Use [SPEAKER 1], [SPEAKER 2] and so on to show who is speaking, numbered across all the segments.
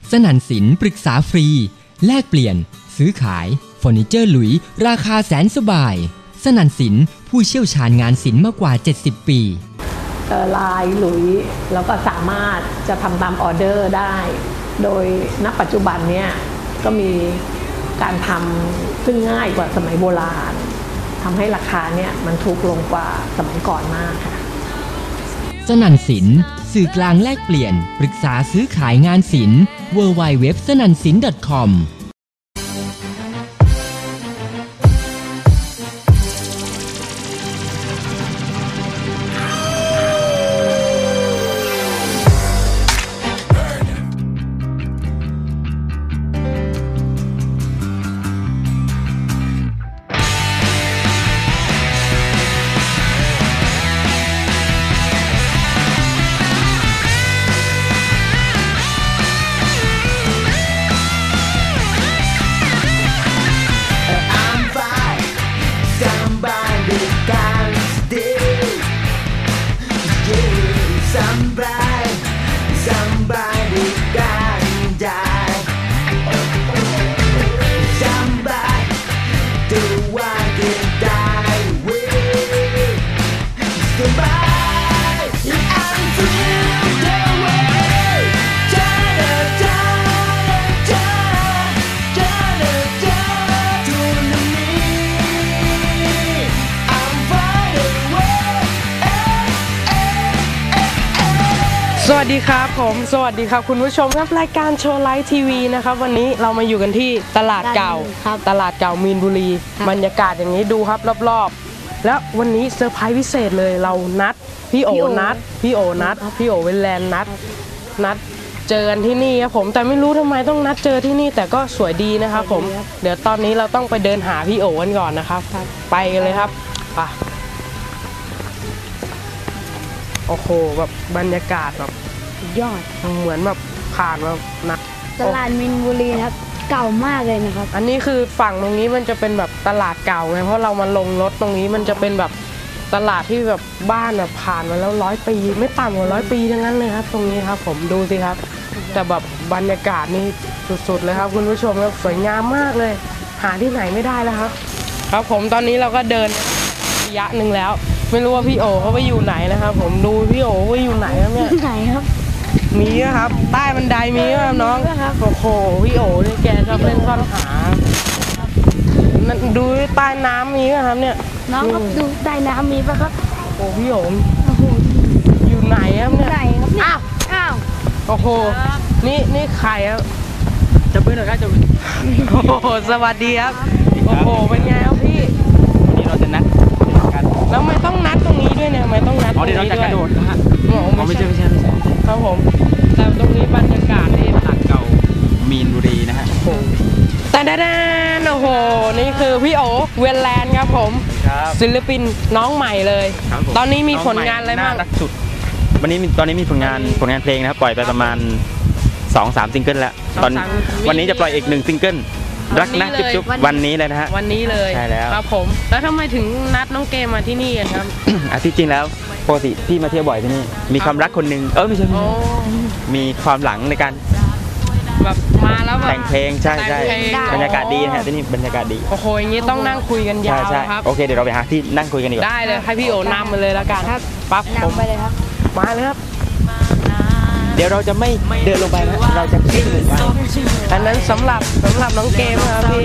[SPEAKER 1] สนั่นสินปรึกษาฟรีแลกเปลี่ยนซื้อขายเฟอร์นิเจอร์หลุยราคาแสนสบายสนั่นสินผู้เชี่ยวชาญงานศิลป์มากกว่า70 ปี
[SPEAKER 2] ลายหลุยแล้วก็สามารถจะทำตามออเดอร์ได้โดยณปัจจุบันเนี่ยก็มีการทำซึ่งง่ายกว่าสมัยโบราณทำให้ราคาเนี่ยมันถูกลงกว่าสมัยก่อนมากค่ะ
[SPEAKER 1] สนั่นสินสื่อกลางแลกเปลี่ยนปรึกษาซื้อขายงานศิลป์ www.sanansin.com
[SPEAKER 3] สวัสดีครับผมสวัสดีครับคุณผู้ชมครับรายการโชว์ไลฟ์ทีวีนะครับวันนี้เรามาอยู่กันที่ตลาดเก่ามีนบุรีบรรยากาศอย่างนี้ดูครับรอบๆแล้ววันนี้เซอร์ไพรส์พิเศษเลยเรานัดพี่โอเวลแลนด์นัดเจอกันที่นี่ครับผมแต่ไม่รู้ทำไมต้องนัดเจอที่นี่แต่ก็สวยดีนะครับผมเดี๋ยวตอนนี้เราต้องไปเดินหาพี่โอกันก่อนนะครับไปกันเลยครับไปโอ้โหแบบบรรยากาศแบบ
[SPEAKER 4] ยอด
[SPEAKER 3] เหมือนแบบผ่านแบบนะ
[SPEAKER 4] ตลาดมินบุรีครับเก่ามากเลยนะครับ
[SPEAKER 3] อันนี้คือฝั่งตรงนี้มันจะเป็นแบบตลาดเก่าไงเพราะเรามาลงรถตรงนี้มันจะเป็นแบบตลาดที่แบบบ้านแบบผ่านมาแล้ว100 ปีไม่ต่ำกว่า100 ปีทั้งนั้นเลยครับตรงนี้ครับผมดูสิครับแต่แบบบรรยากาศนี่สุดๆเลยครับคุณผู้ชมครับสวยงามมากเลยหาที่ไหนไม่ได้แล้วครับครับผมตอนนี้เราก็เดินระยะหนึ่งแล้วไม่รู้ว่าพี่โอเขาไปอยู่ไหนนะครับผมดูพี่โอว่าอยู่ไหนครับเนี่ย
[SPEAKER 4] ไหนครับ
[SPEAKER 3] มีครับใต้บันไดมีครับน้องโอ้โหพี่โอนี่แกชอบเล่นซ่อนหาดูใต้น้ำมีครับเนี่ย
[SPEAKER 4] น้องครับดูใต้น้ำมีปะครับ
[SPEAKER 3] โอ้พี่โออยู่ไหนครับเนี่ย
[SPEAKER 4] ไหนครับเนี่ยอ้าว
[SPEAKER 3] โอ้โหนี่ใครครับ
[SPEAKER 5] จะเป็นหรือจะเป็น
[SPEAKER 3] โอ้โหสวัสดีครับโอ้โหเป็นไงครับพี่
[SPEAKER 5] วันนี้เราจะนัดกัน
[SPEAKER 3] แล้วไม่ต้องนัดตรงนี้ด้วยเนี่ยไม่ต้องนัด
[SPEAKER 5] เดี๋ยวเราจะกระโดดนะฮะไม่ใช่
[SPEAKER 3] ครับผมแต่ตรงนี้บรรยากาศที่
[SPEAKER 5] ตลาดเก่ามีนบุรีนะฮะ
[SPEAKER 3] แต่โอ้โหนี่คือพี่โอเวลแลนด์ครับผมศิลปินน้องใหม่เลยตอนนี้มีผลงานอะไรบ้าง
[SPEAKER 5] สุดตอนนี้มีผลงานเพลงนะครับปล่อยไปประมาณ 2-3 ซิงเกิลแล้ววันนี้จะปล่อยอีก1ซิงเกิลรักนะจุ๊บวันนี้เลยนะฮะ
[SPEAKER 3] วันนี้เลย
[SPEAKER 5] ใช่แล้ว
[SPEAKER 3] ครับผมแล้วทำไมถึงนัดน้องเกมมาที่นี่กันครับ
[SPEAKER 5] ที่จริงแล้วปกติพี่มาเที่ยวบ่อยที่นี่มีความรักคนหนึ่งไม่ใช่มีความหลังในการ
[SPEAKER 3] แบบมาแล้วแบบ
[SPEAKER 5] แต่งเพลงใช่บรรยากาศดีนะฮะที่นี่บรรยากาศดี
[SPEAKER 3] โอ้โหอย่างนี้ต้องนั่งคุยกันยาวครับ
[SPEAKER 5] โอเคเดี๋ยวเราไปหาที่นั่งคุยกันดีกว่า
[SPEAKER 3] ได้เลยให้พี่โอนำมาเลยแล้วกันปั๊บ
[SPEAKER 4] ผมไปเลยครับ
[SPEAKER 3] มาเลยครับ
[SPEAKER 5] เดี๋ยวเราจะไม่เดินลงไปนะเราจะขึ้นลงไป
[SPEAKER 3] อันนั้นสำหรับน้องเกมครับพี่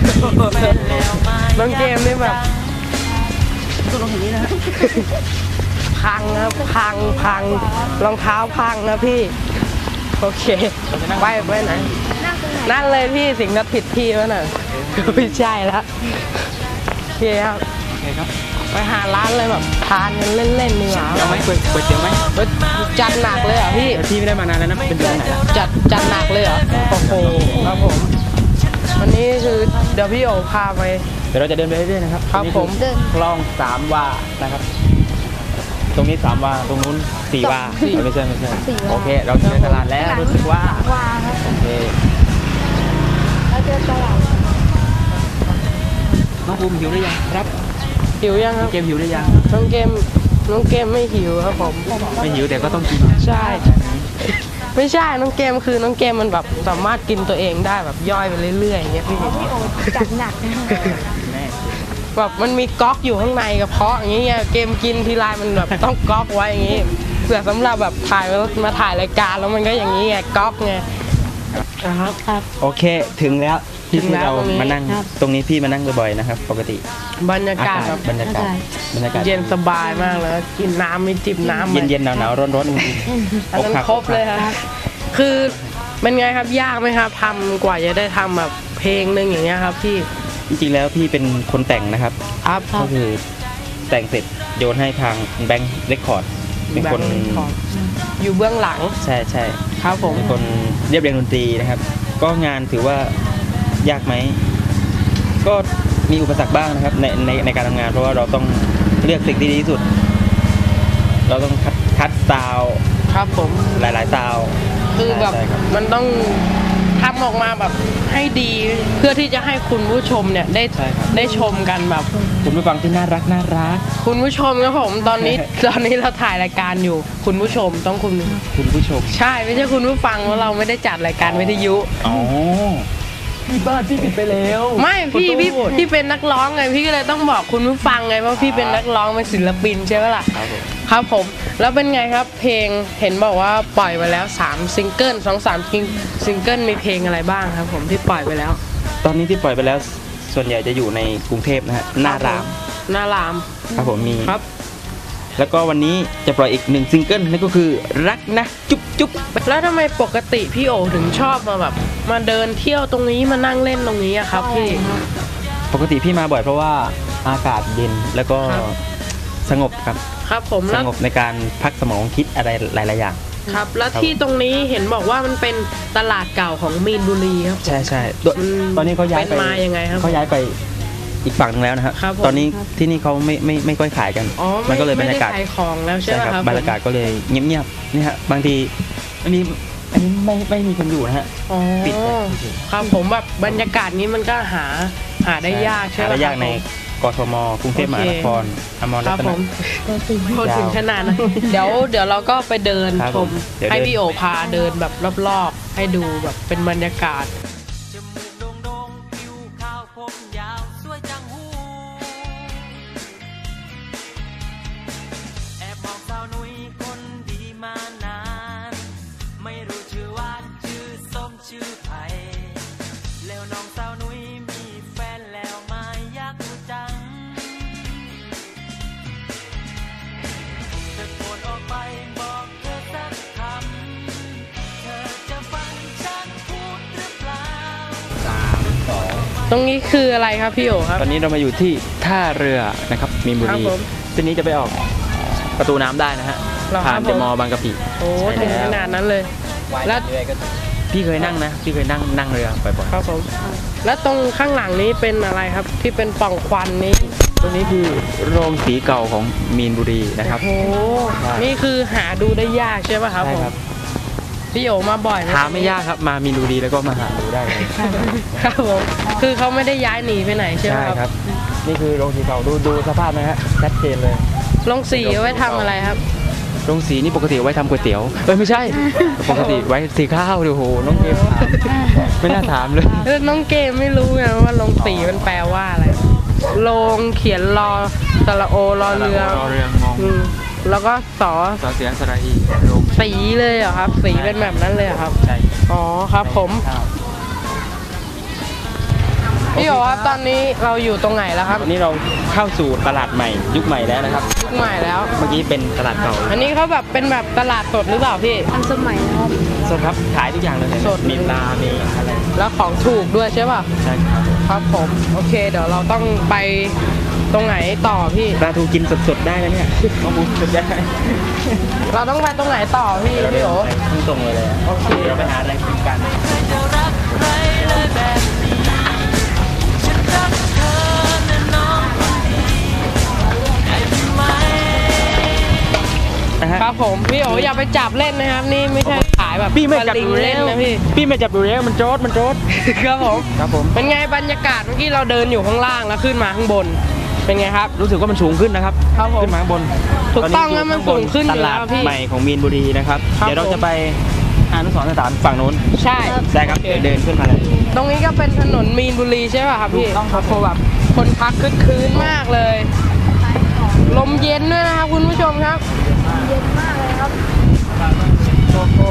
[SPEAKER 3] น้องเกมนี่แบบ
[SPEAKER 4] ตัวลงอย่างนี้นะ
[SPEAKER 3] พังครับพังรองเท้าพังนะพี่โอเคไปไหนนั่นเลยพี่สิ่งนั้นผิดที่แล้วน่ะไม่ใช่แล้วโอเคครับไปหาร้านเลยแบบทานกันเล่นๆนี่หว่า
[SPEAKER 5] เอาไหมเปิดเดี๋ยวไหม
[SPEAKER 3] จัดหนักเลยเหรอพี่
[SPEAKER 5] ไม่ได้มานานแล้วนะเป็นเดือนไหน
[SPEAKER 3] จัดหนักเลยเหรอโอ้โหครับผมวันนี้คือเดี๋ยวพี่โอพาไป
[SPEAKER 5] เดี๋ยวเราจะเดินไปเรื่อยๆนะครับ
[SPEAKER 3] ครับผม
[SPEAKER 5] คลอง3 วานะครับตรงนี้3 วาตรงนู้น4 วาไม่ใช่โอเคเราเจอตลาดแล้วรู้สึกว่าโอเค
[SPEAKER 4] เราเจอตลาด
[SPEAKER 5] น้องภูมิหิวหรือยังครับ
[SPEAKER 3] หิวยังครับ
[SPEAKER 5] เกมหิวหรือยัง
[SPEAKER 3] น้องเกมไม่หิวครับผม
[SPEAKER 5] ไม่หิวแต่ก็ต้องกิน
[SPEAKER 3] ใช่ไม่ใช่น้องเกมคือน้องเกมมันแบบสามารถกินตัวเองได้แบบย่อยไปเรื่อยๆอย่างเงี้ยพี่
[SPEAKER 4] จัดหนักนะ
[SPEAKER 3] แบบมันมีก๊อกอยู่ข้างในกระเพาะอย่างเงี้ยเกมกินทีไรมันแบบต้องก๊อกไว้อย่างงี้เผื่อสำหรับแบบถ่ายมาถ่ายรายการแล้วมันก็อย่างนี้ไงก๊อกไงครับ
[SPEAKER 5] โอเคถึงแล้วที่
[SPEAKER 3] ถึงแล้ว
[SPEAKER 5] เรา
[SPEAKER 3] ตรงนี้
[SPEAKER 5] มานั่งตรงนี้พี่มานั่งบ่อยๆนะครับ ปกติ
[SPEAKER 3] บรรยากาศแบบ
[SPEAKER 5] บรรยากาศ
[SPEAKER 3] เย็นสบายมากเลยกินน้ำมีจิบน้ำ
[SPEAKER 5] เย็นๆหนาวๆร้อนๆ
[SPEAKER 3] อันนั้นครบเลยครับคือเป็นไงครับยากไหมครับทำกว่าจะได้ทำแบบเพลงหนึ่งอย่างเงี้ยครับพี่
[SPEAKER 5] จริงๆแล้วพี่เป็นคนแต่งนะครับ
[SPEAKER 3] ครับ
[SPEAKER 5] ก็คือแต่งเสร็จโยนให้ทางแบงค์เรคคอร์ดเป็นคน
[SPEAKER 3] อยู่เบื้องหลัง
[SPEAKER 5] ใช่ใช่
[SPEAKER 3] ครับผม
[SPEAKER 5] เป็นคนเรียบเรียงดนตรีนะครับ ก็งานถือว่ายากไหมก็มีอุปสรรคบ้างนะครับในการทำงานเพราะว่าเราต้องเลือกสิ่งที่ดีที่สุด เราต้องคัดซาวด์
[SPEAKER 3] ครับผม
[SPEAKER 5] หลายๆซาวด์
[SPEAKER 3] คือแบบ
[SPEAKER 5] ใช่ครับ
[SPEAKER 3] มันต้องทำออกมาแบบให้ดีเพื่อที่จะให้คุณผู้ชมเนี่ยได้ชมกันแบบ
[SPEAKER 5] คุณผู้ฟังที่น่ารัก
[SPEAKER 3] คุณผู้ชมครับผมตอนนี้ เราถ่ายรายการอยู่ คุณผู้ชมต้องคุณ
[SPEAKER 5] คุณผู้ชม
[SPEAKER 3] ใช่ไม่ใช่คุณผู้ฟังเพราะเราไม่ได้จัดรายการวิทยุ
[SPEAKER 5] อ๋อพี่บ้านพี่ผิดไปแล้ว
[SPEAKER 3] ไม่พี่
[SPEAKER 5] ขอโทษ
[SPEAKER 3] พี่เป็นนักร้องไงพี่ก็เลยต้องบอกคุณผู้ฟังไงว่าพี่เป็นนักร้องเป็นศิลปินใช่ไหมล่ะ
[SPEAKER 5] ครับผม
[SPEAKER 3] ครับผมแล้วเป็นไงครับเพลงเห็นบอกว่าปล่อยไปแล้ว3ซิงเกิล2-3ซิงเกิลมีเพลงอะไรบ้างครับผมที่ปล่อยไปแล้ว
[SPEAKER 5] ตอนนี้ที่ปล่อยไปแล้วส่วนใหญ่จะอยู่ในกรุงเทพนะฮะหน้าราม
[SPEAKER 3] หน้าราม
[SPEAKER 5] ครับผมมี
[SPEAKER 3] ครับ
[SPEAKER 5] แล้วก็วันนี้จะปล่อยอีก1ซิงเกิลนั่นก็คือรักนะจุ๊บจุ๊บ
[SPEAKER 3] แล้วทำไมปกติพี่โอถึงชอบมาแบบมาเดินเที่ยวตรงนี้มานั่งเล่นตรงนี้อะครับพี่
[SPEAKER 5] ปกติพี่มาบ่อยเพราะว่าอากาศเย็นแล้วก็
[SPEAKER 3] ครับ
[SPEAKER 5] สงบครับ
[SPEAKER 3] ครับผม
[SPEAKER 5] ส
[SPEAKER 3] แล้ว
[SPEAKER 5] งบในการพักสมองคิดอะไรหลายๆอย่าง
[SPEAKER 3] ครับแล้วที่ตรงนี้เห็นบอกว่ามันเป็นตลาดเก่าของมีนบุรีครับ
[SPEAKER 5] ใช่ใช่
[SPEAKER 3] มัน
[SPEAKER 5] ตอนนี้เขาย้าย
[SPEAKER 3] เป็นมายังไงครับ
[SPEAKER 5] เขาย้ายไปอีกฝั่งหนึงแล้วนะครับ
[SPEAKER 3] ครับผม
[SPEAKER 5] ตอนนี้ที่นี่เขาไม่ค่อยขายกัน
[SPEAKER 3] อ๋อ
[SPEAKER 5] มันก็เลยบรรยากาศ
[SPEAKER 3] ไม่ได้ขายของแล้วใช่ไหมครับ
[SPEAKER 5] บรรยากาศก็เลยเงียบๆนี่ฮะบางทีอันนี้ไม่มีคนอยู่นะฮะ
[SPEAKER 3] อ๋อ
[SPEAKER 5] ปิดเลย
[SPEAKER 3] ครับผมแบบบรรยากาศนี้มันก็หาได้ยากใช่ไหม
[SPEAKER 5] หาได้ยาก
[SPEAKER 3] ครับ
[SPEAKER 5] ในกทมกรุงเทพมหานครอมร
[SPEAKER 3] ค
[SPEAKER 5] รั
[SPEAKER 3] รับ
[SPEAKER 5] ต
[SPEAKER 3] ผ
[SPEAKER 5] นะ
[SPEAKER 3] มพูดถึงขนาดนั้นเดี๋ยวเราก็ไปเดิน
[SPEAKER 5] ครับ
[SPEAKER 3] ช
[SPEAKER 5] ผม มเดี๋ยว
[SPEAKER 3] ให้
[SPEAKER 5] เดิน
[SPEAKER 3] พี่โอพาเดินแบบรอบๆ ให้ดูแบบเป็นบรรยากาศ
[SPEAKER 6] จมูกโด่งๆผิวขาวผมยาวสวยจังหูแอบมองสาวนุ้ยคนดีมานานไม่รู้ชื่อหวานชื่อส้มชื่อไผ่แล้วน้องสาวนุ้ยมีแฟนแล้วไหมาอยากรู้จังตะโกนออกไปบอกเธอสักคำเธอจะฟังฉันพูดหรือเปล่า
[SPEAKER 3] ตรงนี้คืออะไรครับพี่โอครับ
[SPEAKER 5] ตอนนี้เรามาอยู่ที่ท่าเรือนะครับมีนบุ
[SPEAKER 3] ครั
[SPEAKER 5] รี
[SPEAKER 3] บผม
[SPEAKER 5] เส้นนี้จะไปออกประตูน้ำได้นะฮะ
[SPEAKER 3] เหรอครับ
[SPEAKER 5] ผ่านเดอะมอลล์บางกะปิ
[SPEAKER 3] โอ้
[SPEAKER 5] ใช่
[SPEAKER 3] ถึง
[SPEAKER 5] แล้ว
[SPEAKER 3] ขนาดนั้นเลย แล้ว
[SPEAKER 5] พี่เคยนั่งนะพี่เคยนั่งเรือบ่อย
[SPEAKER 3] ครับผม แล้วตรงข้างหลังนี้เป็นอะไรครับที่เป็นปล่องควันนี้
[SPEAKER 5] ๆตรงนี้คือโรงสีเก่าของมีนบุรีนะครับ
[SPEAKER 3] โอ้โห
[SPEAKER 5] ใช่
[SPEAKER 3] นี่คือหาดูได้ยากใช่ป่ะครับ
[SPEAKER 5] ใช่
[SPEAKER 3] ผม
[SPEAKER 5] ครับ
[SPEAKER 3] พี่โอมาบ่อยไหม
[SPEAKER 5] หาไม่ยากครับมามีนบุรีแล้วก็มาหาดูได้เลย
[SPEAKER 3] ครับผมคือเขาไม่ได้ย้ายหนีไปไหนใช่ไหม
[SPEAKER 5] ใช่
[SPEAKER 3] ครับ
[SPEAKER 5] ครับ นี่คือโรงสีเก่าดูสภาพนะฮะชัดเจนเลย
[SPEAKER 3] ลงสีเอาไว้ทำอะไรครับ
[SPEAKER 5] โรงสีนี่ปกติเอาไว้ทำก๋วยเตี๋ยวไม่ใช่ ปกติไว้สีข้าวดูโหน้องเกมถามไม่น่าถามเลย
[SPEAKER 3] น้องเกมไม่รู้ไงว่าลงสีมันแปลว่าอะไรลงเขียนรอสระโอรอเรือ
[SPEAKER 5] รอเรืองง
[SPEAKER 3] อืมแล้วก็สอ
[SPEAKER 5] สอเสียงสระอีโรง
[SPEAKER 3] สีเลยเหรอครับ สีเป็นแบบนั้นเลยเหรอครับ
[SPEAKER 5] ใช่
[SPEAKER 3] อ๋อครับผมพี่บอกว่าตอนนี้เราอยู่ตรงไหนแล้วครับ
[SPEAKER 5] วันนี้เราเข้าสู่ตลาดใหม่ยุคใหม่แล้วนะครับ
[SPEAKER 3] ยุคใหม่แล้ว
[SPEAKER 5] เมื่อกี้เป็นตลาดเก่า
[SPEAKER 3] อันนี้เขาแบบเป็นแบบตลาดสดหรือเปล่าพี่
[SPEAKER 4] ทันสมัยนะครับ
[SPEAKER 5] สดครับขายทุกอย่างเลย
[SPEAKER 3] สด
[SPEAKER 5] มีปลามีอะไร
[SPEAKER 3] แล้วของถูกด้วยใช่ป่ะ
[SPEAKER 5] ใช่ครับ
[SPEAKER 3] ครับผมโอเค เดี๋ยวเราต้องไปตรงไหนต่อพี่
[SPEAKER 5] ปลาทูกินสดๆได้นะเนี่ยข้อมูลสดได้
[SPEAKER 3] เราต้องไปตรงไหนต่อพี่พี่โอ
[SPEAKER 5] พุ่งตรงเลย
[SPEAKER 3] โอเค
[SPEAKER 5] เดี๋ยวไปหาอะไรกินกัน
[SPEAKER 6] จะรักใครเลยแบบนี้ฉันรักเธอนะน้องคนดีได้ไหม
[SPEAKER 5] นะฮะ
[SPEAKER 3] ครับผมพี่โออย่าไปจับเล่นนะครับ นี่ไม่ใช่ขายแบบ
[SPEAKER 5] พี่ไม่จับ
[SPEAKER 3] สลิง
[SPEAKER 5] ดู
[SPEAKER 3] เล่
[SPEAKER 5] เล่
[SPEAKER 3] น
[SPEAKER 5] น
[SPEAKER 3] นะพี่
[SPEAKER 5] พี่ไม่จับดูเล่นมันโจด
[SPEAKER 3] ครับผม
[SPEAKER 5] ครับผม
[SPEAKER 3] เป็นไงบรรยากาศเมื่อกี้เราเดินอยู่ข้างล่างแล้วขึ้นมาข้างบน เป็นไงครับ
[SPEAKER 5] รู้สึกว่ามันสูงขึ้นนะครับ
[SPEAKER 3] ครับผม
[SPEAKER 5] ขึ้นมาข้างบน
[SPEAKER 3] ถูกต้อง
[SPEAKER 5] นนี้
[SPEAKER 3] นะมัน
[SPEAKER 5] ยู่
[SPEAKER 3] สูงขึ้นอยู่
[SPEAKER 5] ตลาด
[SPEAKER 3] แล้วพี่
[SPEAKER 5] ใหม่ของมีนบุรีนะครับ
[SPEAKER 3] ครับ
[SPEAKER 5] เดี๋ยวเรา
[SPEAKER 3] ผม
[SPEAKER 5] จะไปอนุสรณ์สถานฝั่งนู้น
[SPEAKER 3] ใช่
[SPEAKER 5] ใช่ครับเดินขึ้นมาเลย
[SPEAKER 3] ตรงนี้ก็เป็นถนนมีนบุรีใช่ป่ะครับพี่
[SPEAKER 5] ถูกต้องครับ
[SPEAKER 3] โอ้โหแบบคนพักคึกคืนมากเลย ลมเย็นด้วยนะครับคุณผู้ชมครับ
[SPEAKER 4] เย็นมากเลยครับ
[SPEAKER 3] โอ้โห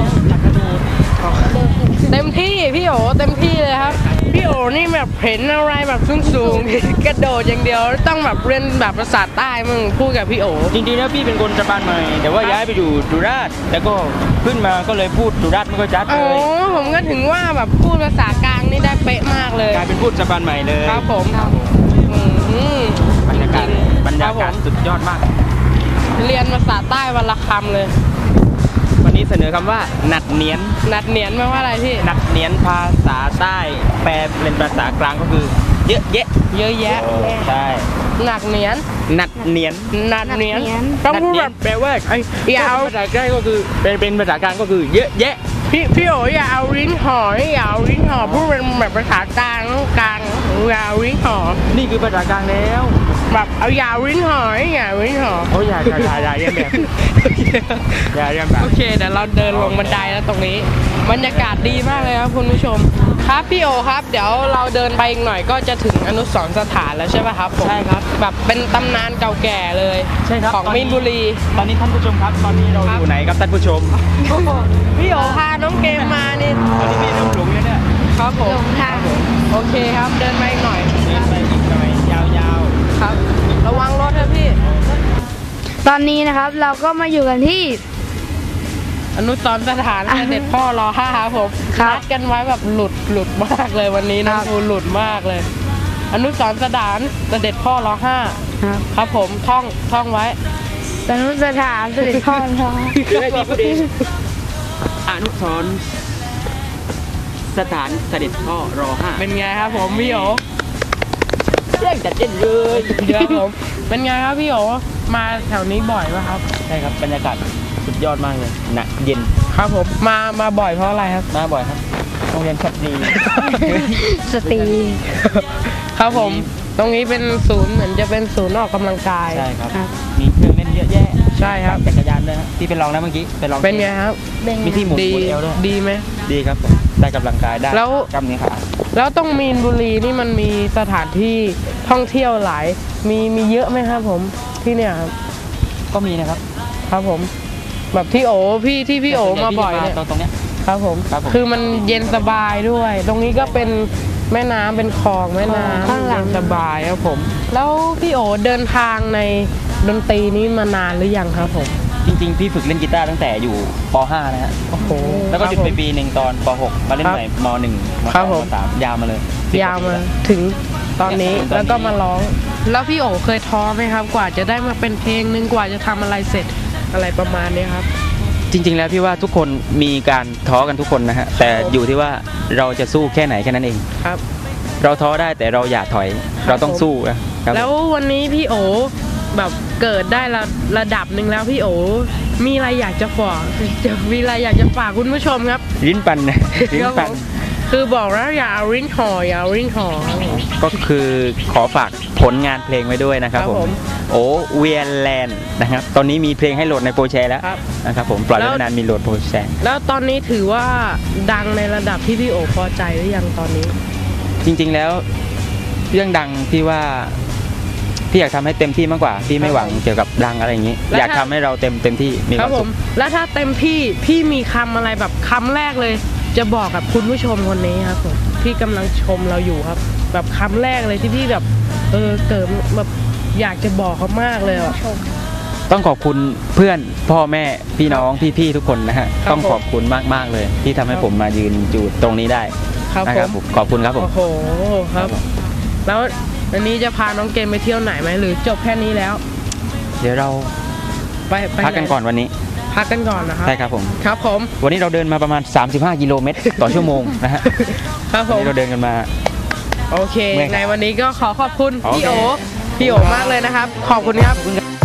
[SPEAKER 3] เต็มที่พี่โอเต็มที่เลยครับพี่โอนี่แบบเห็นอะไรแบบสูงๆ กระโดดอย่างเดียวต้องแบบเรียนแบบภาษาใต้มึงพูดกับพี่โอ
[SPEAKER 5] จริงๆแล้วพี่เป็นคนสะพานใหม่แต่ว่าย้ายไปอยู่สุราษฎร์แล้วก็ขึ้นมาก็เลยพูดสุราษฎร์ไม่ค่อยชัด
[SPEAKER 3] อ๋
[SPEAKER 5] เล
[SPEAKER 3] อย ผมก็ถึงว่าแบบพูดภาษากลางนี่ได้เป๊ะมากเลย
[SPEAKER 5] กลายเป็นพูดสะพานใหม่เลย
[SPEAKER 3] ครับผม
[SPEAKER 5] บรรยากาศสุดยอดมาก
[SPEAKER 3] เรียนภาษาใต้วันละคำเลย
[SPEAKER 5] วันนี้เสนอคำว่าหนัดเนียน
[SPEAKER 3] นัดเนียนแปลว่าอะไรพี่
[SPEAKER 5] หนัดเนียนภาษาใต้แปลเป็นภาษากลางก็คือ เยอะแยะ
[SPEAKER 3] เยอะแยะ
[SPEAKER 5] ใช่
[SPEAKER 3] หนักเนียน
[SPEAKER 5] หนัดเนียน
[SPEAKER 3] นัดเนียน
[SPEAKER 4] นัดเนียน
[SPEAKER 3] ต้องพูดแบบ
[SPEAKER 5] แปลว่าไอ้
[SPEAKER 3] อย่าเอา
[SPEAKER 5] ภาษาใกล้ก็คือเป็นภาษากลางก็คือเยอะแยะ
[SPEAKER 3] พี่โออย่าเอาลิ้นห่ออย่าเอาลิ้นห่อพูดเป็นแบบภาษากลางอย่าเอาลิ้นห่อ
[SPEAKER 5] นี่คือภาษากลางแล้ว
[SPEAKER 3] แบบเอาอย่าเอาลิ้นห่ออย่าเอาลิ้นห่อ
[SPEAKER 5] โอ้ยอย่าเรียนแบบอย่าเรียนแบบ
[SPEAKER 3] โอเคเดี๋ยวเราเดินลงบันไดแล้วตรงนี้บรรยากาศดีมากเลยครับคุณผู้ชมครับพี่โอครับเดี๋ยวเราเดินไปอีกหน่อยก็จะถึงอนุสรณ์สถานแล้วใช่ป่ะครับผม
[SPEAKER 5] ใช่ครับ
[SPEAKER 3] แบบเป็นตำนานเก่าแก่เลย
[SPEAKER 5] ใช่ครับ
[SPEAKER 3] ของมีนบุรี
[SPEAKER 5] ตอนนี้ท่านผู้ชมครับ ตอนนี้เราอยู่ไหนครับท่านผู้ชม
[SPEAKER 3] พี่โอพาน้องเกมมานี่
[SPEAKER 5] ตอนนี้มีเรื่องหลงอยู่เนี่ย
[SPEAKER 3] ครับผม
[SPEAKER 4] หลงทาง
[SPEAKER 3] โอเคครับเดินไปอีกหน่อย
[SPEAKER 5] เดินไปอีกหน่อยยาว
[SPEAKER 3] ครับ ระวังรถนะพี่
[SPEAKER 4] ตอนนี้นะครับเราก็มาอยู่กันที่
[SPEAKER 3] อนุสรณ์สถานเสด็จพ่อรอ5ครับผม
[SPEAKER 4] ครับ
[SPEAKER 3] นัดกันไว้แบบหลุดมากเลยวันนี้น้อง
[SPEAKER 4] ครับ
[SPEAKER 3] ภูหลุดมากเลย อนุสรณ์สถานเสด็จพ่อรอ5
[SPEAKER 4] ครับ
[SPEAKER 3] ครับผมท่องไว้
[SPEAKER 4] สนุสถานเสด็จพ่อทอง
[SPEAKER 5] ๆคือให้มีประเด็นอนุสรณ์สถานเสด็จพ่อรอ5
[SPEAKER 3] เป็นไงครับผมพี่โอ
[SPEAKER 5] เรื่องจัดเด่นเลย
[SPEAKER 3] เดี๋ยวผมเป็นไงครับพี่โอมาแถวนี้บ่อยป่ะครับ
[SPEAKER 5] ใช่ครับบรรยากาศสุดยอดมากเลยหนักเย็น
[SPEAKER 3] ครับผมมาบ่อยเพราะอะไรครับ
[SPEAKER 5] มาบ่อยครับโรงเรียนชัดดี
[SPEAKER 4] สตรี
[SPEAKER 3] ครับผมตรงนี้เป็นศูนย์เหมือนจะเป็นศูนย์ออกกำลังกาย
[SPEAKER 5] ใช่ครับ
[SPEAKER 4] ครับ
[SPEAKER 5] มีเครื่องเล่นเยอะแยะ
[SPEAKER 3] ใช่ครับ
[SPEAKER 5] จักรยานด้วยฮะที่ไปลองนะเมื่อกี้ไปลอง
[SPEAKER 3] เป็นไงครับ
[SPEAKER 5] มีที่หมุน
[SPEAKER 3] ดี
[SPEAKER 5] เอวด้วย
[SPEAKER 3] ดีไหม
[SPEAKER 5] ดีครับผมได้กำลังกายได้
[SPEAKER 3] แล้ว
[SPEAKER 5] กล้ามเนื้อขา
[SPEAKER 3] แล้วตรงมีนบุรีนี่มันมีสถานที่ท่องเที่ยวหลายมีเยอะไหมครับผมที่เนี่ยครับ
[SPEAKER 5] ก็มีนะครับ
[SPEAKER 3] ครับผม แบบที่พี่โอมาบ่อยเนี่ย
[SPEAKER 5] ตรงเนี้ย
[SPEAKER 3] ครับผม
[SPEAKER 5] ครับผม
[SPEAKER 3] คือมันเย็นสบายด้วย ตรงนี้ก็เป็นแม่น้ำเป็นคลองแม่น้ำ
[SPEAKER 4] ข้างหลัง
[SPEAKER 3] เย็นสบายครับผม แล้วพี่โอเดินทางในดนตรีนี้มานานหรือยังครับผม
[SPEAKER 5] จริงๆพี่ฝึกเล่นกีตาร์ตั้งแต่อยู่ป .5 นะฮะ
[SPEAKER 3] โอ้โห
[SPEAKER 5] แล้วก็หยุดไป
[SPEAKER 3] ครับผม
[SPEAKER 5] ปีหนึ่งตอนป .6 มาเล่น
[SPEAKER 3] ครับ
[SPEAKER 5] ใหม่ม .1 ม
[SPEAKER 3] ครับผม
[SPEAKER 5] .2 ม .3 ยาวมาเลย10
[SPEAKER 3] ยาวมาถึงตอนนี้
[SPEAKER 5] ตอนนี้
[SPEAKER 3] แล้วก็มาร้อง แล้วพี่โอเคยท้อไหมครับ กว่าจะได้มาเป็นเพลงหนึงกว่าจะทำอะไรเสร็จอะไรประมาณนี้ครับ
[SPEAKER 5] จริง ๆ แล้วพี่ว่าทุกคนมีการท้อกันทุกคนนะฮะแต่อยู่ที่ว่าเราจะสู้แค่ไหนแค่นั้นเอง
[SPEAKER 3] ครับ
[SPEAKER 5] เราท้อได้แต่เราอย่าถอย เราต้องสู้นะครับ
[SPEAKER 3] แล้ววันนี้พี่โอแบบเกิดได้ระดับหนึ่งแล้วพี่โอมีอะไรอยากจะฝากมีอะไรอยากจะฝากคุณผู้ชมครับ
[SPEAKER 5] ลิ้นปันนะลิ้น
[SPEAKER 3] ครับ
[SPEAKER 5] ปั
[SPEAKER 3] ผ
[SPEAKER 5] น
[SPEAKER 3] มคือบอกแล้วอย่าเอาริ้นห่ออย่าเอาริ้นห่อครับผม
[SPEAKER 5] ก็คือขอฝากผลงานเพลงไว้ด้วยนะครับ
[SPEAKER 3] ครับ
[SPEAKER 5] ผ
[SPEAKER 3] ผม ม
[SPEAKER 5] โอเวียนแลนด์นะครับตอนนี้มีเพลงให้โหลดในโปรแชร์แล้ว
[SPEAKER 3] ครับ
[SPEAKER 5] นะครับผมปล่อยไว้
[SPEAKER 3] แล้ว
[SPEAKER 5] ไม่นานมีโหลดโปรแชร์
[SPEAKER 3] แล้วตอนนี้ถือว่าดังในระดับที่พี่โอพอใจหรือยังตอนนี้
[SPEAKER 5] จริงๆแล้วเรื่องดังพี่ว่าพี่อยากทำให้เต็มที่มากกว่าพี่ไม่หวังเกี่ยวกับดังอะไรอย่างนี้
[SPEAKER 3] แล้ว
[SPEAKER 5] อยากทำให้เราเต็มที่มีค
[SPEAKER 3] ครั
[SPEAKER 5] วา
[SPEAKER 3] บ
[SPEAKER 5] ม
[SPEAKER 3] ผ
[SPEAKER 5] สุ
[SPEAKER 3] ม
[SPEAKER 5] ข
[SPEAKER 3] แล้วถ้าเต็มที่พี่มีคำอะไรแบบคำแรกเลย จะบอกกับคุณผู้ชมคนนี้ครับผมที่กำลังชมเราอยู่ครับ แบบคำแรกเลยที่พี่แบบเกิดแบบอยากจะบอกเขามากเลยอ่ะ
[SPEAKER 5] ต้องขอบคุณเพื่อนพ่อแม่พี่น้องพี่ๆทุกคนนะฮะ
[SPEAKER 3] ครับ
[SPEAKER 5] ต้องขอบคุณมากๆเลย ที่ทำให้ผมมายืนอยู่ตรงนี้ได้
[SPEAKER 3] ครับ
[SPEAKER 5] นะ
[SPEAKER 3] ผ
[SPEAKER 5] ครับ
[SPEAKER 3] ม
[SPEAKER 5] ผมขอบคุณครับผม
[SPEAKER 3] โอ้โหครับ แล้วอันนี้จะพาน้องเกมไปเที่ยวไหนไหมหรือจบแค่นี้แล้ว
[SPEAKER 5] เดี๋ยวเรา
[SPEAKER 3] ไป
[SPEAKER 5] พักกันก่อนวันนี้
[SPEAKER 3] พักกันก่อนนะครับ
[SPEAKER 5] ใช่ครับผม
[SPEAKER 3] ครับผม
[SPEAKER 5] วันนี้เราเดินมาประมาณ35 กิโลเมตรต่อชั่วโมงนะฮะ
[SPEAKER 3] ครับผ
[SPEAKER 5] วัน
[SPEAKER 3] ม
[SPEAKER 5] นี้เราเดินกันมา
[SPEAKER 3] โอเค
[SPEAKER 5] เมื่อยครับ
[SPEAKER 3] ในวันนี้ก็ขอขอบคุณ
[SPEAKER 5] โอเค
[SPEAKER 3] พี่โอมากเลยนะครับ ขอบคุณครับ